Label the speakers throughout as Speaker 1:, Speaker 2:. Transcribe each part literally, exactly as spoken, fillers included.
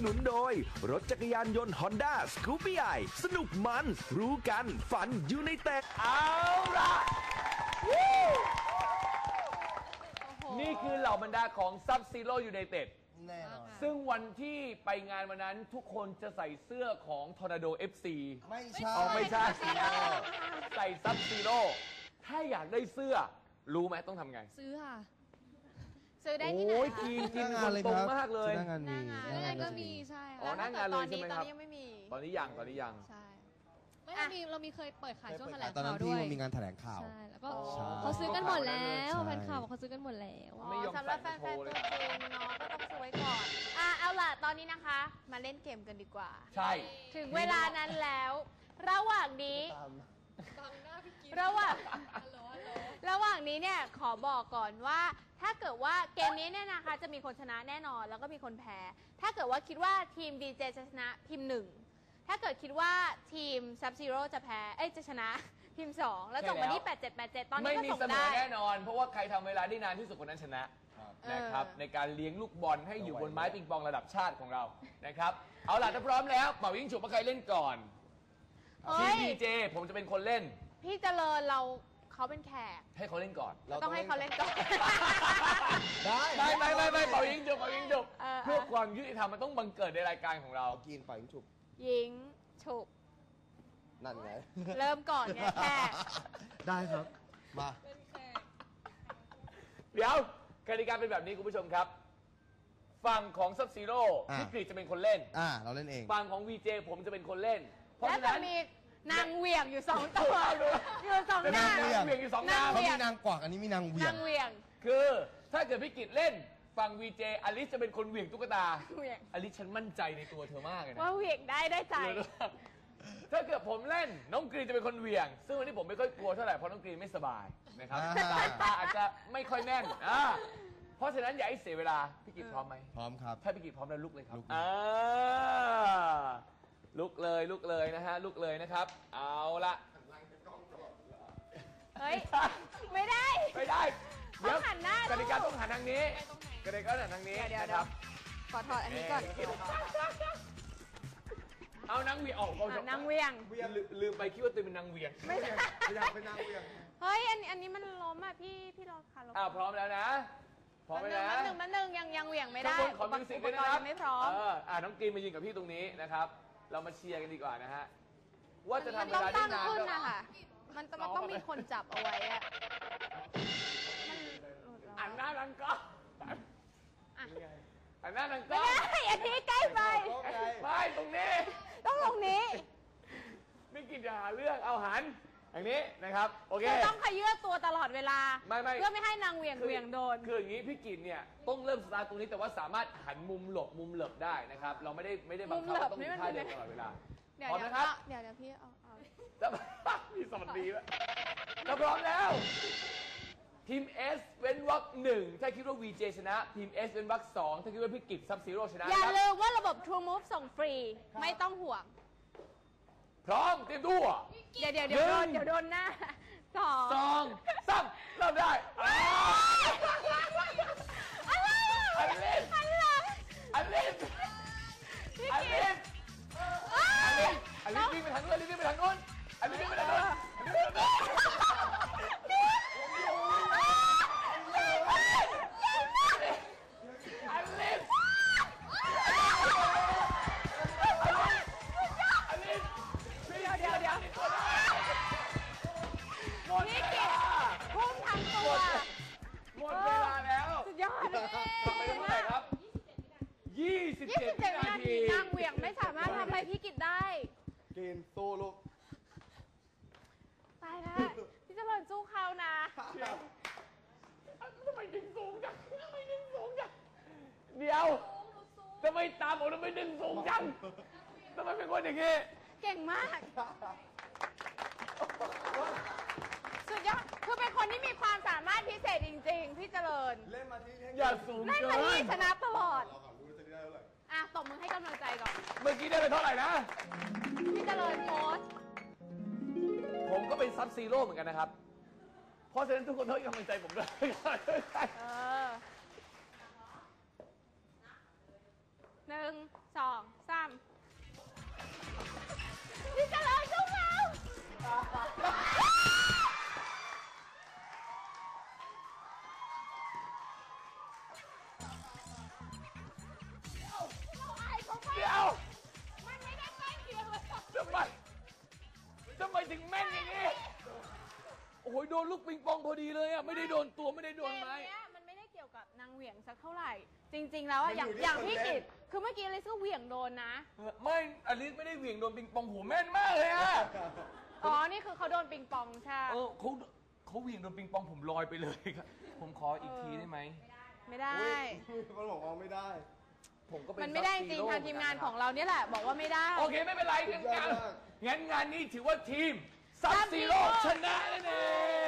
Speaker 1: นุนโดยรถจักรยานยนต์ Honda สกูปปี้ไอสนุกมันรู้กันฝันอยู่ในแต่
Speaker 2: เอาล่ะนี่คือเหล่าบรรดาของ Sub-Zero United
Speaker 3: แน่นอน
Speaker 2: ซึ่งวันที่ไปงานวันนั้นทุกคนจะใส่เสื้อของ Tornado เอฟ ซี
Speaker 3: ไม่ใช่
Speaker 2: เอาไม่ใช่ ใส่ Sub-Zero ถ้าอยากได้เสื้อรู้ไหมต้องทำไง
Speaker 4: ซื้อค่ะ
Speaker 5: ซื้อได้ที่ไหน
Speaker 2: โอ้ย
Speaker 5: คะ
Speaker 2: กิน
Speaker 3: ห
Speaker 2: กิน
Speaker 3: น้างานเลย
Speaker 2: ตร
Speaker 3: ค
Speaker 2: ง
Speaker 3: รับ
Speaker 2: มากเลย
Speaker 3: หน้างานมี
Speaker 5: หน้างาน
Speaker 4: แล้วก็มีใช่
Speaker 2: อ๋อ
Speaker 4: ค่ะ
Speaker 2: หน้างานเลยใช่ไหมครับ
Speaker 5: ตอนนี้ยังไม่มี
Speaker 2: ตอนนี้ยังตอนนี้ยัง
Speaker 5: ใช่
Speaker 4: ไม่เรามีเรามีเคยเปิดขายช่วงแถลง
Speaker 3: ตอนนั้
Speaker 4: ข่าวน
Speaker 3: ที่
Speaker 4: ด้วย
Speaker 3: มันมีงานแถลงข่าว
Speaker 4: ใช่แล้วก็
Speaker 3: ใช่
Speaker 4: เขาซื้อกันหมดแล้ว
Speaker 3: ใช่
Speaker 4: แฟนข่าวบอกเขาซื้อกันหมดแล้ว
Speaker 5: อ๋
Speaker 2: ไม่ยอ
Speaker 5: อ
Speaker 2: ม
Speaker 5: สำหรับแฟ
Speaker 2: ใส่
Speaker 5: น
Speaker 2: โชว์
Speaker 5: ๆ
Speaker 2: เล
Speaker 5: ตั
Speaker 2: ย
Speaker 5: วจริงเนาะก็ต้องซื้อไว้ก่อน อ่ะเอาล่ะตอนนี้นะคะ มาเล่นเกมกันดีกว่า
Speaker 2: ใช่
Speaker 5: ถึงเวลานั้นแล้ว ระหว่างนี้
Speaker 4: บังหน้าพี่กิ๊ฟ
Speaker 5: ระหว่าง
Speaker 4: ฮัลโหลฮัลโหล
Speaker 5: ระหว่างนี้เนี่ยขอบอกก่อนว่า ถ้าเกิดว่าเกมนี้เนี่ยนะคะจะมีคนชนะแน่นอนแล้วก็มีคนแพ้ ถ้าเกิดว่าคิดว่าทีม ดี เจ จะชนะพิมพ์หนึ่งถ้าเกิดคิดว่าทีม Sub-Zero จะแพ้เอ้ยจะชนะพิมพ์สองแล้วส่งมาที่แปดเจ็ดแปดเจ็ดตอนนี้
Speaker 2: ไม่
Speaker 5: ก็
Speaker 2: มี
Speaker 5: ส่ง
Speaker 2: เสม
Speaker 5: ได้
Speaker 2: อแน่นอน เพราะว่าใครทำเวลาได้นานที่สุดคนนั้นชนะนะครับในการเลี้ยงลูกบอลให้อยู่บนไม้ปิงปองระดับชาติของเรานะครับเอาล่ะถ้าพร้อมแล้วเป่ายิงฉุบว่าใครเล่นก่อน
Speaker 5: เฮ้
Speaker 2: ทีม
Speaker 5: ย
Speaker 2: ดีเจผมจะเป็นคนเล่น
Speaker 5: พี่เจริญเราเขาเป็นแขก
Speaker 2: ให้เขาเล่นก่อน
Speaker 5: เราต้องให้เขาเล่นก่อน
Speaker 3: ได้
Speaker 2: ไม่ไม่ไม่ไม่เป่ายิงฉุบเป่ายิงฉุบ
Speaker 5: เออ
Speaker 2: เพื่อความยุติธรรมมันต้องบังเกิดในรายการของเรา
Speaker 3: กินปล่อยยิงฉุบ
Speaker 5: ยิงฉุบ
Speaker 3: นั่นไง
Speaker 5: เริ่มก่อนไงแขก
Speaker 3: ได้ครับ มา
Speaker 2: เดี๋ยวกติกาเป็นแบบนี้คุณผู้ชมครับฝั่งของ Sub-Zero
Speaker 3: อ่ะ
Speaker 2: พี่กรีฑจะเป็นคนเล่น
Speaker 3: อ่าเราเล่นเอง
Speaker 2: ฝั่งของ วี เจ ผมจะเป็นคนเล่น เพราะ
Speaker 5: แล้ว
Speaker 2: ฉะ
Speaker 5: จะ
Speaker 2: นั้น
Speaker 5: มีนางเหวี่ยงอยู่สองตัวอยู่สองหน้า
Speaker 2: จะมีนางเหวี่ยงอยู่สองหน้า
Speaker 5: นางเห
Speaker 3: เขา
Speaker 5: วี่ย
Speaker 3: มี
Speaker 5: ง
Speaker 3: นางกวักอันนี้มีนางเหวี่ย
Speaker 5: นาง งเหวี่ยง
Speaker 2: คือถ้าเกิดพี่กิจเล่นฝั่ง วี เจ อลิสจะเป็นคนเหวี่ยงตุ๊กตา
Speaker 5: เหวี่ยง
Speaker 2: อลิสฉันมั่นใจในตัวเธอมากเลยนะ
Speaker 5: ว่าเหวี่ยงได้ได้ใจ
Speaker 2: ถ้าเกิดผมเล่นน้องกรีนจะเป็นคนเหวี่ยง ซึ่งวันนี้ผมไม่ค่อยกลัวเท่าไหร่เพราะน้องกรีนไม่สบายนะครับ
Speaker 3: อ่า
Speaker 2: สายตาอาจจะไม่ค่อยแน่นอ่าเพราะฉะนั้นอย่าให้เสียเวลาพี่กิจพร้อมไหม
Speaker 3: พร้อมครับ
Speaker 2: ถ้าพี่กิจพร้อมแล้วลุกเลยครับ
Speaker 3: ลุกเลย
Speaker 2: อ่าลุกเลยลุกเลยนะฮะลุกเลยนะครับ เอาละ
Speaker 5: เฮ้ย ไม่ได้
Speaker 2: ไม่ได้เดี๋ยว
Speaker 5: ต้องหันหน้าก
Speaker 2: ติกาต้องหันทางนี้กติกาต้องหันทางนี้
Speaker 5: เดี๋ยว
Speaker 2: นะครับ
Speaker 5: ขอถอดอันนี้ก่อน
Speaker 2: เอานางเหวียงออก
Speaker 5: อ่ะนางเหวี่ยง
Speaker 2: ลืมลืมไปคิดว่าตัวเป็นนางเหวียง
Speaker 5: ไม่ใช่
Speaker 3: อยากเป็นนางเหวี่ยง
Speaker 5: เฮ้ยอันอันนี้มันล้มอ่ะพี่พี่รอค่ะรอ
Speaker 2: อ้าวพร้อมแล้วนะพร้อมไหมนะ
Speaker 5: มันหนึ่งมันหนึ่งยังยังเหวี่ยงไม่ได้
Speaker 2: ข้างบนขอมิวสิกด้วยนะครับ
Speaker 5: อุปกรณ์ยังไม่พร้อม
Speaker 2: เอออ่าน้องกรีนมายืนกับพี่ตรงนี้นะครับ เรามาเชียร์กันดีกว่านะฮะว่าจะทำ
Speaker 5: มัน
Speaker 2: เว
Speaker 5: ต้อง
Speaker 2: ลาได้
Speaker 5: ตั้ง
Speaker 2: นาน
Speaker 5: ขึ้น
Speaker 2: เท่า
Speaker 5: นะคะมันต้องมันต้องมีคนจับเอาไว้อะมัน
Speaker 2: อันหน้าดังก็
Speaker 5: อ่ะ
Speaker 2: อันหน้าดัง
Speaker 5: ไม่
Speaker 2: ก็
Speaker 5: ได้อันนี้ใกล้ไป
Speaker 2: ไม่ตรงนี้
Speaker 5: ต้องลงนี้
Speaker 2: ไม่กินอย่าหาเรื่องเอาหันอย่างนี้นะครับโอเค
Speaker 5: จะต้องขยื่นตัวตลอดเวลา
Speaker 2: ไม่ไม่
Speaker 5: เพื่อไม่ให้นางเหวี่ยงเหวี่ยงโดน
Speaker 2: คืออย่างนี้พี่กินเนี่ยต้องเริ่มสตาร์ทตรงนี้แต่ว่าสามารถหันมุมหลบมุมเหลบได้นะครับ เราไม่ได้ไม่ได้บังคับว่าต้องมีท่าเดินตลอดเวลา
Speaker 5: เดี๋ยว
Speaker 2: พร้อม
Speaker 5: เดี๋ยว
Speaker 2: นะครับ
Speaker 5: เดี๋ยวเดี๋ยวพี่เอาเอา
Speaker 2: จะมีสวัสดีแล้วถ้าพร้อมแล้วทีม S เว้นวรรคหนึ่งถ้าคิดว่า วี เจ ชนะทีม S เว้นวรรคสองถ้าคิดว่าพี่กิจ Sub-Zero ชนะ
Speaker 5: อย่า
Speaker 2: ครับ
Speaker 5: ลืมว่าระบบ True Move ส่งฟรี ไม่ต้องห่วง
Speaker 2: พร้อมเตรียมตัว
Speaker 5: เดี๋ยวเดี๋ยวเดี๋ยวโดน
Speaker 2: หนึ่ง
Speaker 5: เดี๋ยวโดนหน้าสอง
Speaker 2: สองสามเริ่มได้อ้าว
Speaker 5: อะไร
Speaker 2: อันเล่น
Speaker 5: อะไร
Speaker 2: อันลิส
Speaker 5: พี่
Speaker 2: อัน
Speaker 5: กิ
Speaker 2: ลิ
Speaker 5: ต
Speaker 2: สอันลิสอันลิสวิ่งไปทางนู้นอันลิสวิ่งไปทางนู้นอันลิสวิ่งไปทางนู้นอันลิสวิ่งไปทางนู้นอันลิสอันลิส
Speaker 5: เดี๋ยวเดี๋ยวเดี๋ยว
Speaker 2: หมดเว
Speaker 5: พี่กิ
Speaker 2: ลา
Speaker 5: ตพุ่งทางตัว
Speaker 2: หมดเวลาแล้ว
Speaker 5: สุดยอดเลย
Speaker 2: ทำไปได้เท่าไหร่ครับยี่สิบ
Speaker 5: ยี่
Speaker 2: เจ็ด
Speaker 5: สิบเจ็ด
Speaker 2: วิ
Speaker 5: วิ
Speaker 2: นา
Speaker 5: นา
Speaker 2: ที
Speaker 5: ทีนางเหวี่ยงไม่สามารถทำอะไรพี่กิตได้
Speaker 3: กินสู้ลูก
Speaker 5: ตายแล้วพี่เจริญสู้เขานะ
Speaker 2: ทำไมดึงสูงจังทำไมดึงสูงจังเดี๋ยวทำไมตามผมทำไมดึงสูงจังทำไมเป็นคนอย่างนี้
Speaker 5: เก่งมาก สุดยอด คือเป็นคนที่มีความสามารถพิเศษจริงๆ พี่เจริญ
Speaker 3: เล่นมาที่
Speaker 2: อย่าสูง
Speaker 5: เล่น
Speaker 2: เกิ
Speaker 5: มาที่
Speaker 2: น
Speaker 5: ชนะตลอด
Speaker 3: เราก่อนรู้จะได้เท่าไหร่
Speaker 5: อ่ะตบมือให้กำลังใจก่อน
Speaker 2: เมื่อกี้ได้ไปเท่าไหร่นะ
Speaker 5: พี่เจริญโพสต์
Speaker 2: ผมก็เป็นซับซีโร่เหมือนกันนะครับ เพราะฉะนั้นทุกคนต้องให้กำลังใจผมด้วย
Speaker 5: เออหนึ่งสอง
Speaker 2: โหโดนลูกปิงปองพอดีเลยอ่ะไม่ได้โดนตัวไม่ได้โด
Speaker 5: เก
Speaker 2: น
Speaker 5: ม
Speaker 2: ไม้
Speaker 5: เนี้ยมันไม่ได้เกี่ยวกับนางเหวี่ยงสักเท่าไหร่ จริง ๆ แล้วอะ
Speaker 3: มัน
Speaker 5: อย่าง
Speaker 3: อยู่ที่
Speaker 5: อย่าง
Speaker 3: คน
Speaker 5: พี่
Speaker 3: เล่น
Speaker 5: กิตคือเมื่อกี้อลิซก็เหวี่ยงโดนนะ
Speaker 2: ไม่อลิสไม่ได้เหวี่ยงโดนปิงปองหัวแม่นมากเลยอ่ะ
Speaker 5: อ๋อ นี่คือเขาโดนปิงปองใช่
Speaker 2: เออเขาเขาเหวี่ยงโดนปิงปองผมลอยไปเลยครับผมขออีกทีได้ไหม
Speaker 5: ไม่ได้
Speaker 3: มันบอกว่าไม่ได้
Speaker 2: ผมก็เป็น
Speaker 5: มันไม่ได้จริงทางทีมงานของเราเนี่ยแหละ บอกว่าไม่ได้
Speaker 2: โอเคไม่เป็นไรงั้นงาน
Speaker 3: สุดยอดมาก
Speaker 2: งั้นงานนี้ถือว่าทีมซับ
Speaker 5: Sub
Speaker 2: ซีโร่
Speaker 5: Zero
Speaker 2: ชนะนั่นเอง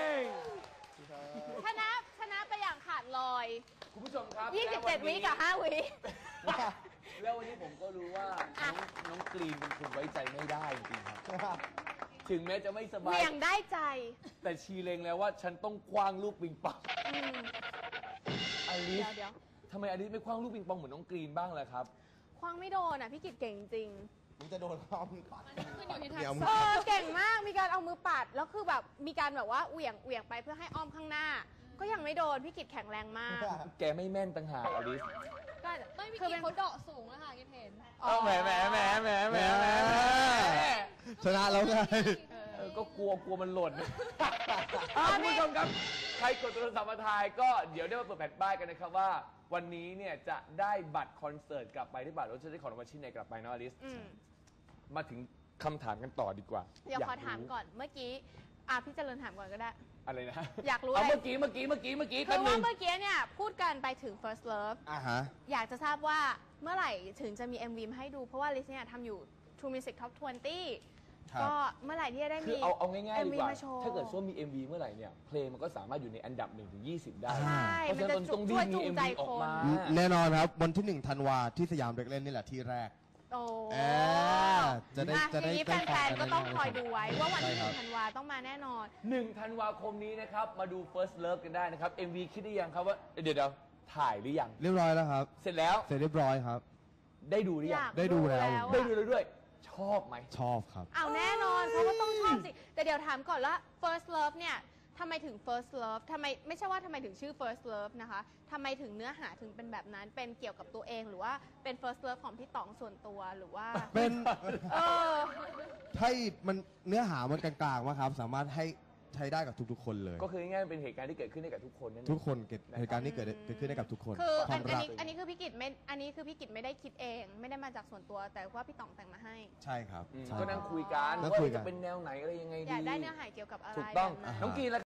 Speaker 5: ชนะชนะไปอย่างขาดลอย
Speaker 2: คุณผู้ชมครับ
Speaker 5: ยี่สิบเจ็ด
Speaker 2: แล้
Speaker 5: วิกับห้าวิ
Speaker 2: แล้ววันนี้ผมก็รู้ว่า
Speaker 5: อ่ะ
Speaker 2: น้องน้องกรีนเป็นคนไว้ใจไม่ได้จริงๆครับ ถึงแม้จะไม่ส
Speaker 5: เห
Speaker 2: บาย
Speaker 5: วี่ยงได้ใจ
Speaker 2: แต่ชีเลงแล้วว่าฉันต้องคว้างลูกปิงปอง
Speaker 5: อืม
Speaker 2: อลิส
Speaker 5: เดี๋ยว
Speaker 2: ทำไมอลิสไม่คว้างลูกปิงปองเหมือนน้องกรีนบ้างล่ะครับ
Speaker 5: คว้างไม่โดนอ่ะ พี่กิตเก่งจริง
Speaker 3: มึงจะโดนข้อมปัด
Speaker 4: ขึ้นอยู่ที่ทัก
Speaker 3: เดี๋ยว
Speaker 4: ษะ
Speaker 5: เออเก่งมาก มีการเอามือปัด แล้วคือแบบมีการแบบว่าเหวี่ยงเหวี่ยงไปเพื่อให้อ้อมข้างหน้า ก็ยังไม่โดน พี่กิตแข็งแรงมาก
Speaker 2: แกไม่แม่นต่างหากอลิส
Speaker 5: ก็
Speaker 4: ไม่มี
Speaker 5: คือ
Speaker 4: กิ
Speaker 5: เป็น
Speaker 4: นเขาเดาะสูงแล้วค่ะกินเห็น
Speaker 5: อ๋อ
Speaker 2: เอาแหมแหมแหมแหมแหมแหมแหม
Speaker 3: ชนะแล้วไง
Speaker 2: เออก็กลัวกลัวมันหล่นอ่ะคุณผู้ชมครับ ใครกดโทรศัพท์มาทายก็เดี๋ยวได้มาเปิดแผ่นป้ายกันนะครับว่า วันนี้เนี่ยจะได้บัตรคอนเสิร์ตกลับไปที่บัตรรถจะได้ของรางวัลชิ้นไหนกลับไปเนาะอลิส
Speaker 5: อืม
Speaker 2: มาถึงคำถามกันต่อดีกว่า
Speaker 5: เดี๋ยวขอ
Speaker 2: รู้
Speaker 5: ถามก่อน เมื่อกี้ อ่ะพี่เจริญถามก่อนก็ได้
Speaker 2: อะไรนะ
Speaker 5: อยากรู้
Speaker 2: เอา
Speaker 5: อะไร
Speaker 2: เมื่อกี้เมื่อกี้เมื่อกี้เมื่อกี้
Speaker 5: คื
Speaker 2: แป๊บ
Speaker 5: อ
Speaker 2: นึ
Speaker 5: ว่าง เมื่อกี้เนี่ยพูดกันไปถึง first love
Speaker 3: อ่ะฮะ
Speaker 5: อยากจะทราบว่าเมื่อไหร่ถึงจะมี เอ็ม วี มาให้ดู เพราะว่าลิซเนี่ยทำอยู่ True Music Top ยี่สิบ
Speaker 3: ครับ
Speaker 5: ก็เมื่อไหร่ที่จะได้
Speaker 2: คื
Speaker 5: มี
Speaker 2: อเอาเอาง่ายๆ
Speaker 5: เอ็ม
Speaker 2: ดี
Speaker 5: วี
Speaker 2: กว่า
Speaker 5: มาโชว์
Speaker 2: ถ้าเกิดว่ามี เอ็ม วี เมื่อไหร่เนี่ยเพลงมันก็สามารถอยู่ในอันดับหนึ่งถึงยี่สิบได้
Speaker 5: ใช่
Speaker 2: เพราะ
Speaker 5: มัน
Speaker 2: ฉะ
Speaker 5: จะ
Speaker 2: นั้นต้อง
Speaker 5: ช่
Speaker 2: รี
Speaker 5: วย
Speaker 2: บมี
Speaker 5: จูง
Speaker 2: เอ็ม
Speaker 5: ใจ
Speaker 2: วีอ
Speaker 5: ค
Speaker 2: อก
Speaker 5: น
Speaker 2: มา
Speaker 3: แน่นอนครับ วันที่หนึ่งธันวาที่สยามเด็กเล่นนี่แหละที่แรก
Speaker 5: โอ้
Speaker 3: เออจะได้
Speaker 5: อ่ะ
Speaker 3: จะ
Speaker 5: ที
Speaker 3: ได้
Speaker 5: นี้
Speaker 3: ได้
Speaker 5: แฟนๆ ก็ต้อง
Speaker 3: แน่น
Speaker 5: คอยดูไว้ว่าวันที่ห
Speaker 3: ใช่
Speaker 5: นึ่
Speaker 3: ครับ
Speaker 5: งธันวาต้องมาแน่นอน
Speaker 2: หนึ่งธันวาคมนี้นะครับ มาดู First Love กันได้นะครับ เอ็ม วี คิดได้ยังครับว่าเดี๋ยวเดี๋ยวถ่ายหรือยัง
Speaker 3: เรียบร้อยแล้วครับ
Speaker 2: เสร็จแล้ว
Speaker 3: เสร็จเรียบร้อยครับ
Speaker 2: ได้ดูหรือ
Speaker 5: อ
Speaker 2: ยัง
Speaker 5: ยาก
Speaker 3: ได้ดูแล้ว
Speaker 5: อะ
Speaker 2: ได้ดูแล้วด้วย ชอบไหม
Speaker 3: ชอบครับ
Speaker 5: เอาแน่นอนเขาก็ต้องชอบสิ แต่เดี๋ยวถามก่อนว่า first love เนี่ยทำไมถึง first love ทำไมไม่ใช่ว่าทำไมถึงชื่อ first love นะคะทำไมถึงเนื้อหาถึงเป็นแบบนั้น เป็นเกี่ยวกับตัวเองหรือว่าเป็น first love ของพี่ต๋องส่วนตัวหรือว่า
Speaker 3: เป็น
Speaker 5: เออ
Speaker 3: ให้มันเนื้อหามันกลางๆว่าครับ สามารถให้ใช้ได้กับทุกๆคนเลย
Speaker 2: ก็คือง่ายๆเป็นเหตุการณ์ที่เกิดขึ้นได้กับทุกคนนั่นเอง
Speaker 3: ทุกคนเกิดเหตุการณ์ที่เกิดเกิดขึ้นได้กับทุกคน
Speaker 5: คือ
Speaker 3: ค
Speaker 5: อั
Speaker 3: วาน ม
Speaker 5: อัน
Speaker 3: รัก
Speaker 5: นี้อันนี้คือพี่กิจไม่ อันนี้คือพี่กิจไม่ได้คิดเอง ไม่ได้มาจากส่วนตัว แต่ว่าพี่ต๋องแต่งมาให้
Speaker 3: ใช่ครับ
Speaker 2: อืม
Speaker 3: ใช่
Speaker 2: ก็นั่งคุยกัน
Speaker 3: นั่ง
Speaker 2: ว่า
Speaker 3: คุยกัน
Speaker 2: จะเป็นแนวไหนอะไรยังไงดี
Speaker 5: อยากได้เนื้อหาเกี่ยวกับอะไร
Speaker 2: ถูกต้อง
Speaker 5: แบบไหน
Speaker 2: น้องกรีนล่ะ